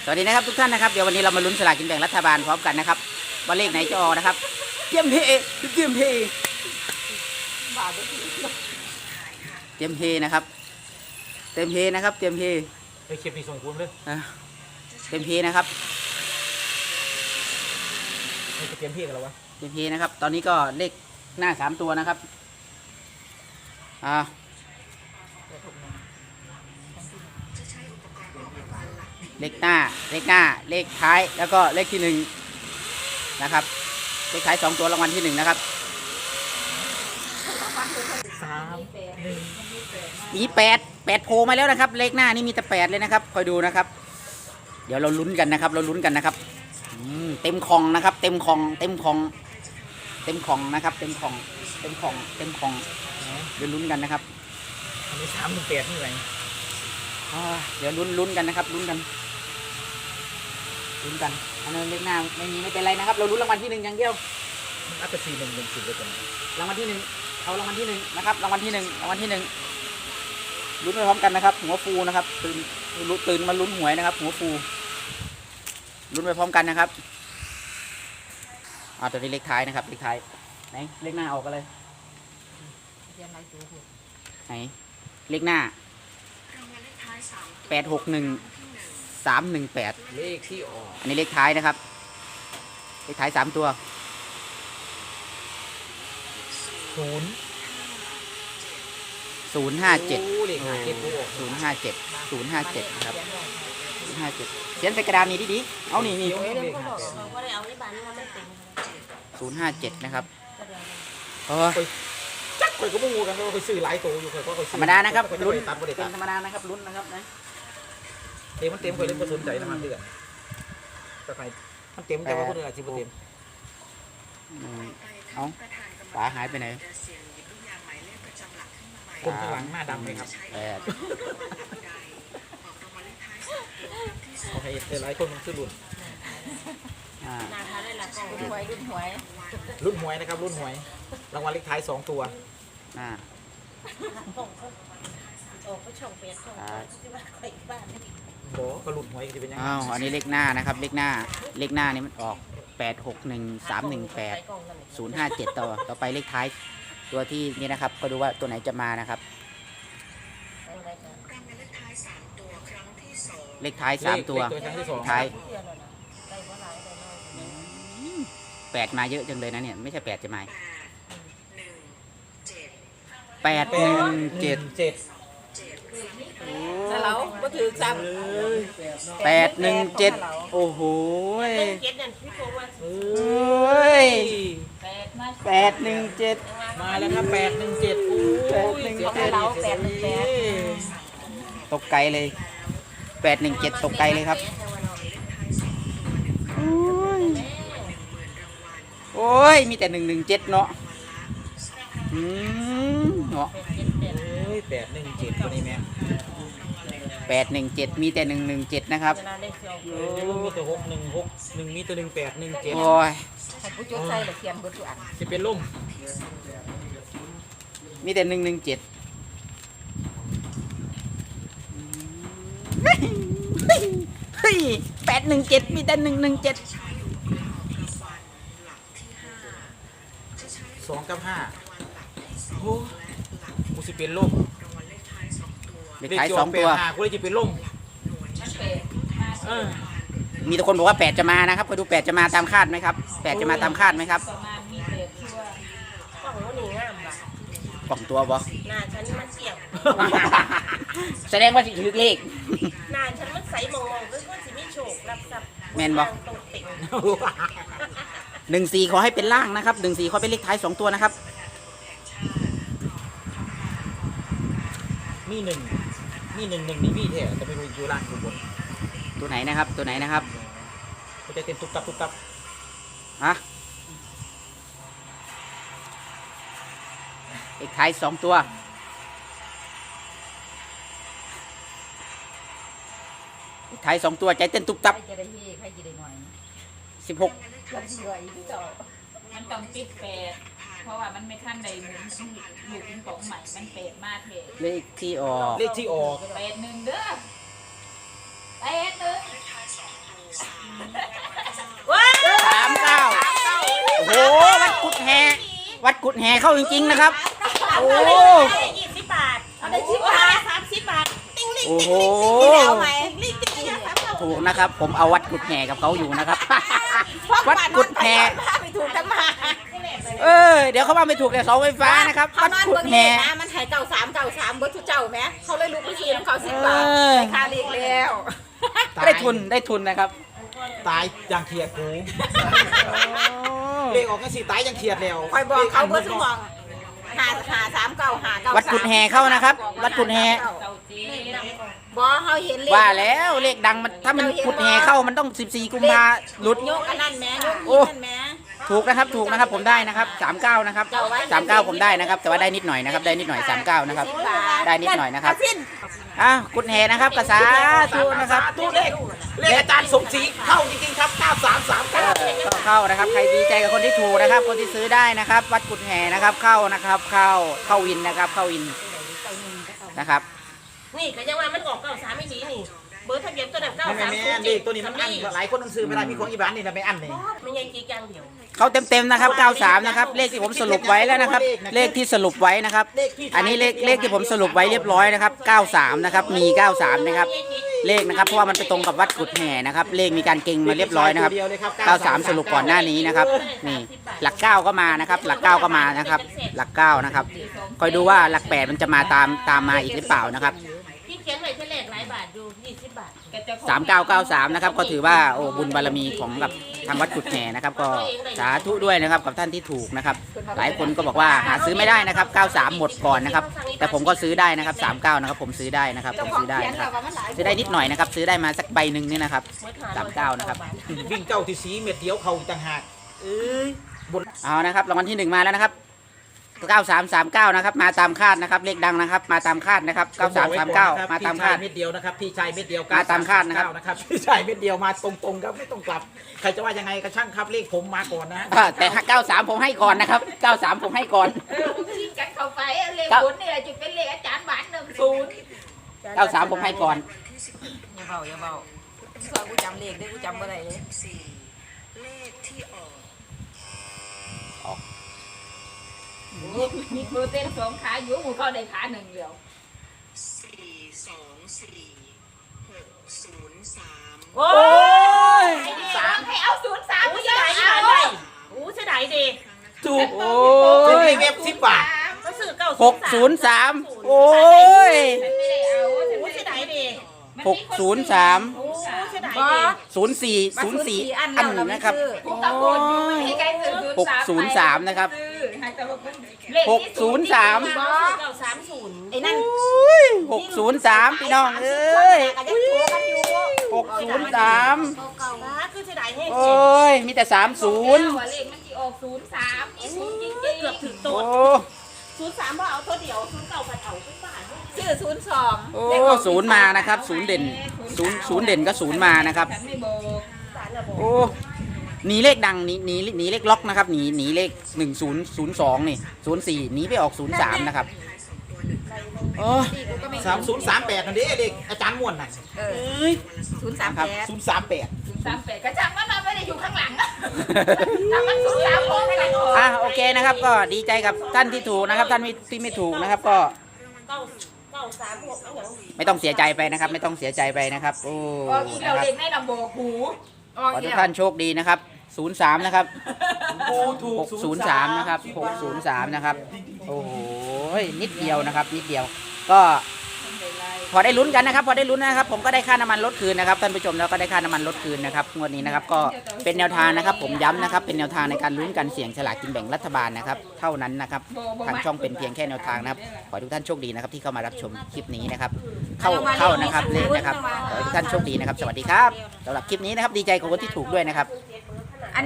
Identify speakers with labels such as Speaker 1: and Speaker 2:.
Speaker 1: สวัสดีนะครับทุกท่านนะครับเดี๋ยววันนี้เรามาลุ้นสลากกินแบ่งรัฐบาลพร้อมกันนะครับว่าเลขไหนจะออกนะครับเตรียมเฮเตรียมเฮเตรียมเฮนะครับเตรียมเฮนะครับเตรียมเฮ
Speaker 2: ไอ้เข็มนี่ส่งคุณเลย
Speaker 1: เตรียมเฮนะครับ
Speaker 2: ไอ้เข็มพี่กันแล้ววะ
Speaker 1: เตรียมเฮนะครับตอนนี้ก็เลขหน้า3ตัวนะครับเลขหน้าเลขท้ายแล้วก็เลขที่1นะครับเลขท้าย2ตัวรางวัลที่1นะครับมี8โผล่มาแล้วนะครับเลขหน้านี่มีแต่8เลยนะครับคอยดูนะครับเดี๋ยวเราลุ้นกันนะครับนะครับเต็มคองนะครับเต็มคองนะครับเต็มคองเดี๋ยวลุ้นกันนะครับ
Speaker 2: อันนี้3-8นี่ไง
Speaker 1: เดี๋ยวลุ้นกันนะครับลุ้นกันอันนั้นเลขหน้าไม่เป็นไรนะครับเราลุ้นรางวัลที่1อย่างเดียว
Speaker 2: มันอัพไป4-1-1-4เลยกัน
Speaker 1: รางวัลที่1เอารางวัลที่1นะครับรางวัลที่1ลุ้นไปพร้อมกันนะครับหัวฟูนะครับตื่นมาลุ้นหวยนะครับหัวฟูลุ้นไปพร้อมกันนะครับตัวนี้เลขท้ายนะครับเลขท้ายไหนเลขหน้าออกกันเลยไหนเลขหน้า861318
Speaker 2: เลขที่ออก
Speaker 1: อันนี้เลขท้ายนะครับเลขท้าย3ตัว057นะครับ057เขียนใส่กระดานนี้ดิเอานี่057นะครับ
Speaker 2: จักไปก็ไม่งูกันก็ไปซื้อหลายตัวอยู่เคยก็
Speaker 1: ธรรมดานะครับลุ้นเป็นธรรมดานะครับลุ้นนะครับนะ
Speaker 2: เต็มมันเต็มเคยเล่นผสมใจน้ำมันเดือดแต่ใครมันเต็มแต่ว่าคนอื่นอาจจะไม่เต็ม
Speaker 1: เอาฝาหายไปไหน
Speaker 2: คนข้างหลังหน้าดำไหมครับโอเคแต่หลายคนมันคือรุ่น
Speaker 3: รุ่นหวย
Speaker 2: นะครับรุ่นหวยรางวัลเลขท้าย2ตัวโอ้ก็รุ่นหวยจะเป็นยังไง
Speaker 1: อันนี้เลขหน้านะครับเลขหน้านี่มันออก861318 057ต่อไปเลขท้ายตัวที่นี่นะครับก็ดูว่าตัวไหนจะมานะครับเลขท้าย3ตัวท้าย8มาเยอะจังเลยนะเนี่ยไม่ใช่8จะมา817
Speaker 3: เราก็ถือซ้
Speaker 1: 817โอ้โห817
Speaker 2: มาแล้วครับ817
Speaker 1: ตกไกลเลย817ตกไกลเลยครับโอ้ยมีแต่117เนาะ
Speaker 2: เนาะ817ตัวนี้แม่
Speaker 1: 817มีแต่117นะครับ
Speaker 2: มีแต่616มีแต่1817
Speaker 1: โอ้ย
Speaker 3: ผู้จุดใส่เขียนเบอร์ตัวอัน
Speaker 2: จะเป็นล่ม
Speaker 1: มีแต่117เฮ้ย817มีแต่117
Speaker 2: 2 กับ 5โอ้กูสิเป็นล่ม
Speaker 1: เลขท้าย2ตัว
Speaker 2: กูเลยจะเป็นล่ม
Speaker 1: มีทุกคนบอกว่า8จะมานะครับไปดู8จะมาตามคาดไหมครับ8จะมาตามคาดไหมครับกล่องตัวบ่
Speaker 3: หน้าฉันมันเกี่ยว
Speaker 1: แสดงว่าสิถือเลข
Speaker 3: หน้าฉันมันใสมองๆก็สิไม่โฉกรับทรัพย์
Speaker 1: แมนบ่14ขอให้เป็นล่างนะครับ14ขอเป็นเลขท้าย2ตัวนะครับ
Speaker 2: มี1นี่มีแท้แต่ไม่รู้อยู่ล่างอยู่บน
Speaker 1: ตัวไหนนะครับ
Speaker 2: มันจะเต็มตุ๊บตับ
Speaker 1: เลขท้าย2ตัวเลขท้าย2ตัวใจเต้นตุ๊บตับ16
Speaker 4: มันต้องติด8เพราะว่ามันไม่ทันใดหมุนลูกปิงปองใหม่มัน8มาเถอะ
Speaker 1: เลขที่ออก
Speaker 4: 81เด้อ81
Speaker 1: ดแห่เข้าจริงๆนะครับโอ้
Speaker 3: 20 บาทเอาได้10 บาท30 บาทติ้งลิง
Speaker 1: โอ้โห
Speaker 3: เอาไหมลิงติ้งลิง30
Speaker 1: ถูกนะครับ ผมเอาวัดกุดแห่กับเขาอยู่นะครับ วัดกุดแห่
Speaker 3: ไปถูกกันมา
Speaker 1: เดี๋ยวเขาว่าไม่ถูกแต่เสาไฟฟ้านะครับ
Speaker 3: เขา
Speaker 1: วัด
Speaker 3: นอน
Speaker 1: กุด
Speaker 3: เบิ่งเล
Speaker 1: แห่
Speaker 3: ขนะมันหายเก่า3เบิร์ดทุกเจ้าไหมเขาเลยลุกไปซื้อน้ำเขา10 บาทไปคาเลขแล้ว
Speaker 1: ได้ทุนนะครับ
Speaker 2: ตายอย่างเขียดกูเลขออกกันสิตายอย่างเขียดแล้ว
Speaker 3: คอยบอกเขาเบิร์ดทุกบอกหา3 9 5 9
Speaker 1: วัดกุดแห่เข้านะครับ วัดกุดแห่
Speaker 4: เก่าจี
Speaker 3: บอกเขาเห็นเลข
Speaker 1: ว่าแล้วเลขดังมันถ้ามันกุดแห่เข้ามันต้อง14กุมภาหลุด
Speaker 3: โยกกันนั่นแม่โยก
Speaker 1: โอ้
Speaker 3: นี่นั่นแม่
Speaker 1: ถูกนะครับผมได้นะครับ39นะครับ39ผมได้นะครับ แต่ว่าได้นิดหน่อยนะครับได้นิดหน่อย39นะครับ ได้นิดหน่อยนะครับ กุดแห่นะครับกระสาธุนะครับ
Speaker 2: ตู้เลขอาจารย์สมศรีเข้าจริงๆครับ9339
Speaker 1: ก็เข้านะครับใครดีใจกับคนที่ถูกนะครับ คนที่ซื้อได้นะครับ วัดกุดแห่นะครับเข้านะครับเข้าวินนะครับเข้าวินนะครับ
Speaker 3: นี่ก็ยังว่ามันออก93ไม่ดีนี่เบอร์ทะเบียนตัวนั้น
Speaker 2: แม่เลขตัวนี้มันอั้นหลายคนต้องซื้อไม่ได้มีของอีบ้านนี่นะไม่อั้นเลย
Speaker 3: ไม่ใช่จีกอย่างเดียว
Speaker 1: เขาเต็มนะครับ93นะครับเลขที่ผมสรุปไว้แล้วนะครับ เลขที่สรุปไว้นะครับ อันนี้เลขที่ผมสรุปไว้เรียบร้อยนะครับ93นะครับมี93นะครับเลขนะครับเพราะว่ามันไปตรงกับวัดกุดแห่นะครับเลขมีการเก่งมาเรียบร้อยนะครับ93สรุปก่อนหน้านี้นะครับนี่หลัก9ก็มานะครับหลัก9ก็มานะครับหลัก9นะครับคอยดูว่าหลัก8มันจะมาตามมาอีกหรือเปล่านะครับ
Speaker 3: พี่เขียนไว้เท่าไหร่หลายบาทดู20 บาท
Speaker 1: 3993นะครับก็ถือว่าโอ้บุญบารมีของกับทางวัดกุดแห่นะครับก็สาธุด้วยนะครับกับท่านที่ถูกนะครับหลายคนก็บอกว่าหาซื้อไม่ได้นะครับ93หมดก่อนนะครับแต่ผมก็ซื้อได้นะครับ39นะครับผมซื้อได้นะครับผมซื้อได้นะครับซื้อได้นิดหน่อยนะครับซื้อได้มาสักใบหนึ่งนี่นะครับ39นะครับ
Speaker 2: วิ่งเจ้าที่สีเม็ดเดียวเขาต่างหากเอ้ยบน
Speaker 1: เอานะครับรางวัลที่1มาแล้วนะครับ9339นะครับมาตามคาดนะครับเลขดังนะครับมาตามคาดนะครับ9339มาตามคาด
Speaker 2: พี่ชยเม็ดเดียวนะครับพี่ชายเม็ดเดียว
Speaker 1: มาตามคาดนะครับ
Speaker 2: นะครับพี่ชายเม็ดเดียวมาตรงๆครับไม่ต้องกลับใครจะว่ายังไงก็ช่างครับเลขผมมาก่อนนะ
Speaker 1: แต่93ผมให้ก่อนนะครับ93ผมให้ก่อน
Speaker 4: ที่กันเข้าไปเลขบุญนี่แหละจุดเป็นเลขอาจารย์บาท10
Speaker 1: 93ผมให้ก่อน
Speaker 3: อย่าเบาสอนกูจำเลขได้กูจำบ่ได้เลย
Speaker 4: มีครูเต้น2ขาอยู่หมู่เขาได้ขา1เดียว
Speaker 3: โอ้ย
Speaker 4: 3ให้เอา03
Speaker 3: อู้
Speaker 4: เย
Speaker 3: เสีย
Speaker 4: อะ
Speaker 3: ดาย
Speaker 4: เอา
Speaker 3: อู้เสียดายดิ
Speaker 2: ถูก
Speaker 1: โอ้
Speaker 2: ซื้อใน
Speaker 1: ย
Speaker 2: เว็บ10 บาท
Speaker 3: ก็ซื้อเก้า
Speaker 1: 603โอ้ย
Speaker 4: ฉันไม่ได้เอา
Speaker 3: อู้เสียดายดิ
Speaker 1: 603
Speaker 3: โอ้เสียดายดิ
Speaker 1: 04อันนะครับ
Speaker 4: กูตะโกนอยู่ไม่ให้ใครซื้อ
Speaker 1: 603นะครับ
Speaker 4: ให้แต่ว่าเลข
Speaker 1: 603
Speaker 3: บ่930ไอ้นั่น
Speaker 1: 603พี่น้องเอ้ย
Speaker 3: ก็ยังโทรกันอยู่
Speaker 1: 603
Speaker 3: คือเสียดายแห้ง
Speaker 1: โอ้ยมีแต่30
Speaker 4: ว่าเลขมันสิออก03อีศูนย์จริง
Speaker 3: เกือบถึง
Speaker 1: โอ้
Speaker 3: ตัว03บ่เอาตัวเดียว09พันเอาทุกบาท
Speaker 4: ชื่อ02
Speaker 1: โอ้ศูนย์มานะครับศูนย์เด่นศูนย์เด่นก็ศูนย์มานะครับ
Speaker 4: ฉันไม่บอก
Speaker 1: โอ้หนีเลขดังหนีเลขล็อกนะครับหนีเลข1002นี่04หนีไปออก03นะครับโอ้
Speaker 2: 3038นั่นเด้เด็กอาจารย์ม่วนน่ะ
Speaker 1: ครับ
Speaker 2: 038
Speaker 4: 38กระจังมันไม่ได้อยู่ข้างหลังอะถ้ามัน03พอไม่ได้ออก
Speaker 1: โอเคนะครับก็ดีใจกับท่านที่ถูกนะครับท่านที่ไม่ถูกนะครับก็
Speaker 3: 936เอาอย่าง
Speaker 1: ไม่ต้องเสียใจไปนะครับ ไม่ต้องเสียใจไปนะครับโอ้
Speaker 4: ออกอีก
Speaker 1: นะ
Speaker 4: เรา
Speaker 1: ครับ
Speaker 4: เด็กในลำโบกหูออก
Speaker 1: ขอ
Speaker 4: อี
Speaker 1: ทุ
Speaker 4: ก
Speaker 1: ก
Speaker 4: แล้ว
Speaker 1: ท่านโชคดีนะครับ03นะครับ
Speaker 2: โอ้ถูก
Speaker 1: 603นะครับ603นะครับโอ้โหนิดเดียวนะครับนิดเดียวก็พอได้ลุ้นกันนะครับพอได้ลุ้นนะครับผมก็ได้ค่าน้ำมันลดคืนนะครับท่านผู้ชมแล้วก็ได้ค่าน้ำมันลดคืนนะครับงวดนี้นะครับก็เป็นแนวทางนะครับผมย้ำนะครับเป็นแนวทางในการลุ้นกันเสี่ยงฉลากกินแบ่งรัฐบาลนะครับเท่านั้นนะครับทางช่องเป็นเพียงแค่แนวทางนะครับขอให้ทุกท่านโชคดีนะครับที่เข้ามารับชมคลิปนี้นะครับเข้านะครับเลขนะครับขอให้ทุกท่านโชคดีนะครับสวัสดีครับสำหรับคลิปนี้นะครับดีใจกับคนที่ถูกด้วยนะครับ